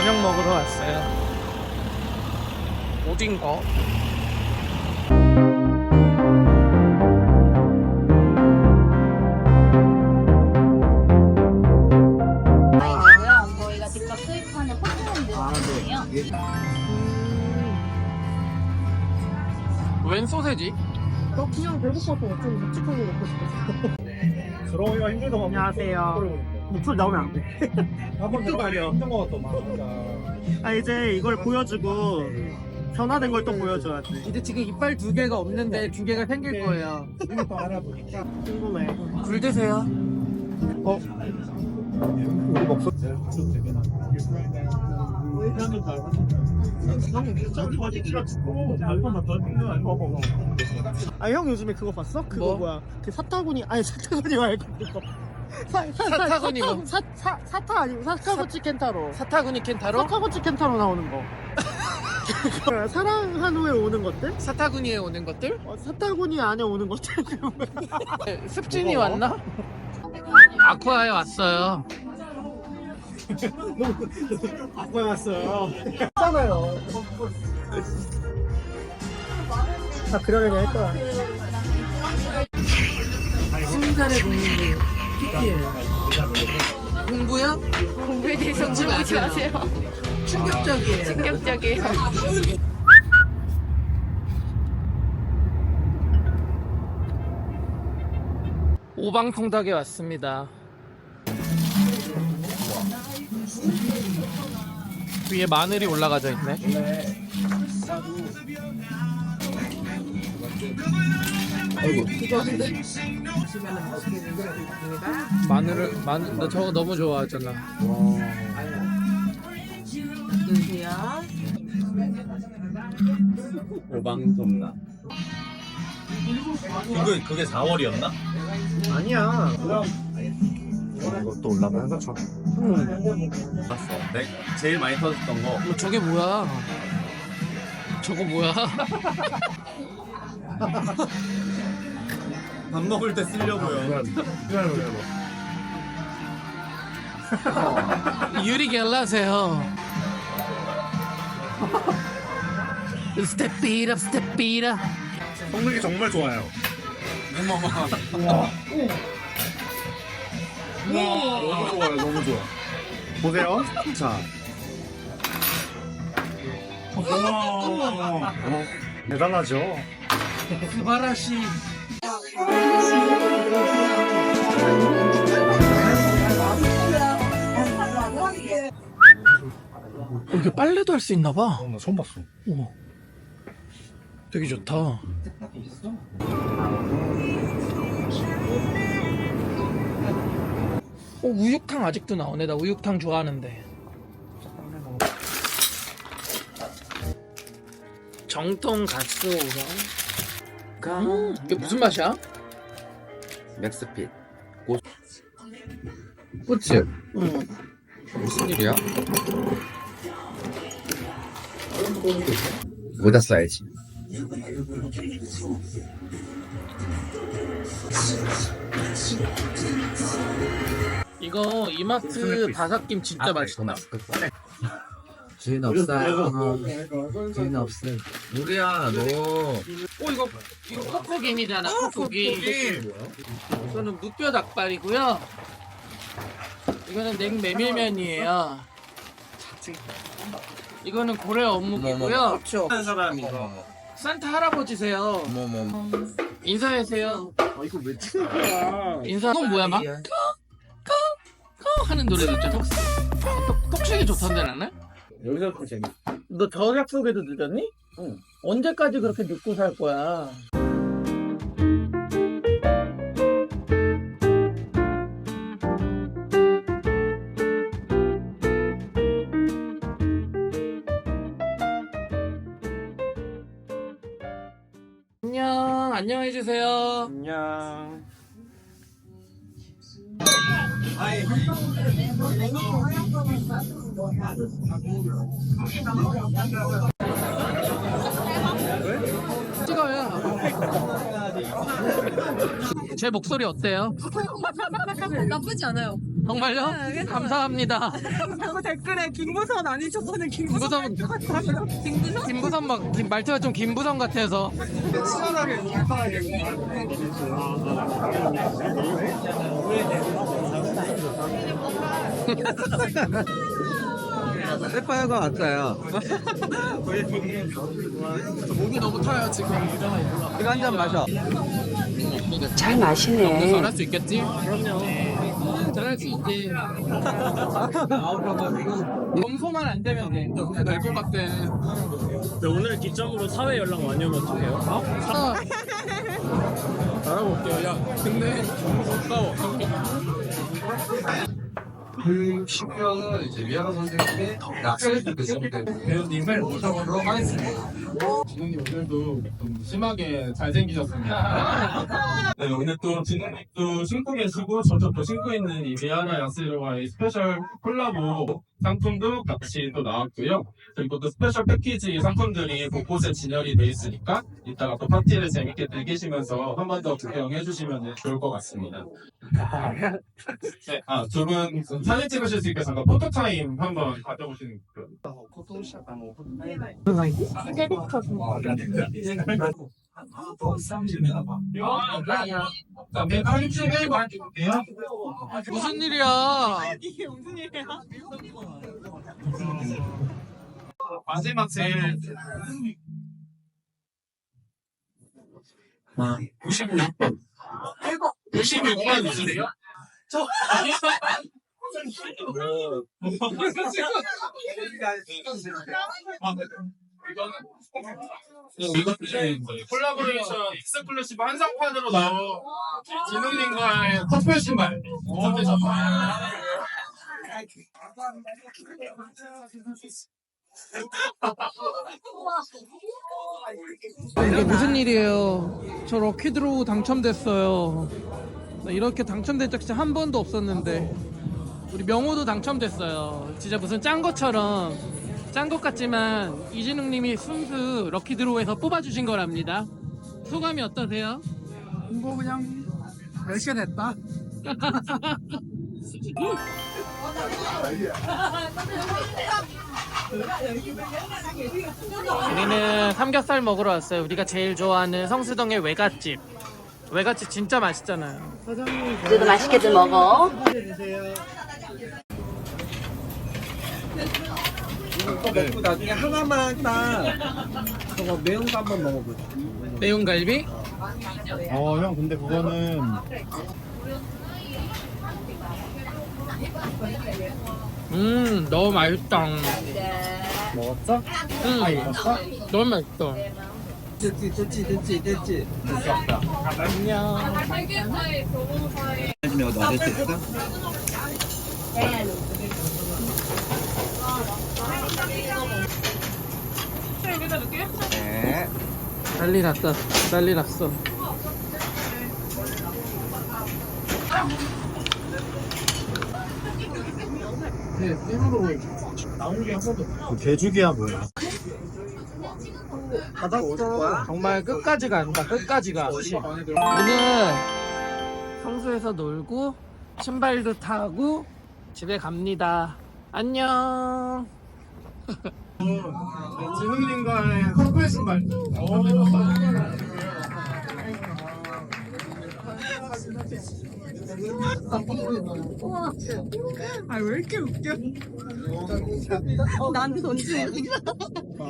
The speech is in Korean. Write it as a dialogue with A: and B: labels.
A: 저녁 먹으러 왔어요. 어딘가?
B: 저희가 직접 수입하는 포트랜드예요.
A: 웬 소세지?
C: 그냥 배고파서 좀 묵직한 거 먹고 싶었어.
D: 들어오기가 힘들다.
C: 안녕하세요. 목소리 나오면 안 돼.
D: 한번 들어가려 힘든 거 같더만.
C: 아 이제 이걸 보여주고 변화된 걸 또 보여줘야지.
A: 이제 지금 이빨 2개가 없는데 2개가 생길 거예요.
D: 이거 알아보니까
C: 궁금해.
A: 굴 드세요.
D: 우리 목소리
C: 아 형 요즘에 그거 봤어? 그거
A: 뭐?
C: 뭐야? 그 사타구니 아니 사타구니 말고 그거.
A: 사타구니 뭐?
C: 사타 아니고 사카구치 켄타로.
A: 사타구니 켄타로?
C: 사카구치 켄타로 나오는 거. 사랑한 후에 오는 것들?
A: 사타구니에 오는 것들?
C: 사타구니 안에 오는 것들?
A: 습진이 왔나? 아쿠아에 왔어요.
C: 아빠 왔어요. 했잖아요. 다 그러려니 할 거야.
A: 신살의 공부 공부야?
B: 공부에 대해서 물어보지 마세요.
A: 충격적이에요.
B: 충격적이에요.
A: 오방통닭에 왔습니다. 위에 마늘이 올라가져 있네. 마늘 나 저거 너무 좋아하잖아.
D: 오방통닭. 그게 4월이었나?
C: 아니야.
D: 이것도 올라가는 거죠. 봤어. 제일 많이 터졌던 거.
A: 저게 뭐야? 저거 뭐야?
D: 밥 먹을 때 쓰려고요.
A: 유리 겔라세요. 스텝 it up, 스텝 it up.
D: 성능이 정말 좋아요. 너무 좋아요, 너무 좋아. 보세요. 자. 대단하죠?
A: 스바라시. 이게 빨래도 할 수 있나 봐.
D: 나 처음 봤어.
A: 오, 되게 좋다. 우육탕 아직도 나오네. 나 우육탕 좋아하는데. 정통 가스오가. 이게 무슨 맛이야?
E: 맥스핏
A: 그치?
E: 무슨 일이야? 모자 써야지.
A: 이거 이마트 바삭김 진짜 맛있다.
E: 주인 없어요. 주인 없음. 우리야 너.
A: 이거 kok고김이잖아. kok고김. 이거는 무뼈 닭발이고요. 이거는 냉메밀면이에요. 이거는 고래 어묵이고요.
D: 한 사람이
A: 산타 할아버지세요.
E: 뭐뭐.
A: 인사하세요.
C: 이거 왜 찍는 거야?
A: 인사. 이건 뭐야 막? 거 하는 노래 듣죠. 톡식이 좋던데 나는?
D: 여기서부터 재밌어.
A: 너 저 약속에도 늦었니?
D: 응.
A: 언제까지 그렇게 늦고 살 거야? 안녕해주세요.
D: 안녕.
A: 찍어요. 제 목소리 어때요?
B: 나쁘지 않아요.
A: 정말요? 감사합니다.
F: 그 댓글에 김부선 아니셨다는 김부선
A: 김부선 막 말투가 좀 김부선 같아서.
E: 새파야가 왔어요.
A: 목이 너무 타요 지금.
E: 이거 한 잔 마셔.
F: 잘 마시네.
A: 잘할 수 있겠지? 그럼요. 잘할 수 있지. 검소만 안 되면 돼. 될것 같아.
C: 네, 오늘 기점으로 사회 연락 많이 오면 어떡해요?
A: 알아볼게요. 야, 근데 가까워.
E: 그 신경은 이제 미아가 선생님이 약속을 드시면
A: 배우님을 모셔보도록 하겠습니다. 진우님 오늘도 좀 심하게 잘생기셨습니다.
G: 네, 오늘 또 진우님도 신고 계시고 저도 또 신고 있는 이 미아나 야스로와의 스페셜 콜라보 상품도 같이 또 나왔고요. 그리고 또 스페셜 패키지 상품들이 곳곳에 진열이 돼 있으니까 이따가 또 파티를 재밌게 즐기시면서 한 번 더 구경해 주시면 좋을 것 같습니다. 네, 두 분 사진 찍으실 수 있게 잠깐 포토타임 한번 가져보시는 그.
A: 무슨 일이야?
F: 이게 무슨 일이야?
G: 마지막 제일 96번 96번 있으세요? 저 이거는 콜라보레이션 익스클루시브 한상판으로 나온 진우님과의 커플 신발
A: 이게 무슨 일이에요? 저 럭키드로우 당첨됐어요. 나 이렇게 당첨된 적 진짜 한 번도 없었는데 우리 명호도 당첨됐어요. 진짜 무슨 짠 것처럼 짠 것 같지만 이진웅님이 순수 럭키드로우에서 뽑아주신 거랍니다. 소감이 어떠세요?
H: 뭐 그냥 몇 시간 됐다.
A: 우리는 삼겹살 먹으러 왔어요. 우리가 제일 좋아하는 성수동의 외갓집. 외갓집 진짜 맛있잖아요.
B: 너도 맛있게들 먹어.
E: 이거 먹고 나중에 하나만 딱 저거 매운 거 한번 먹어보자.
A: 매운 갈비?
D: 형 근데 그거는
A: 너무 맛있다.
D: 먹었어?
A: 응, 너무 맛있어.
E: 됐지.
A: 안녕.
E: 내가 됐을까? 네.
A: 난리 났다. 난리 났어.
D: 개죽이야 뭐야?
A: 정말 끝까지 간다. 끝까지 가. 오늘 성수에서 놀고 신발도 타고 집에 갑니다. 안녕.
G: 진우님과의 커플 신발
F: 아 왜 이렇게 웃겨? 나한테 던지는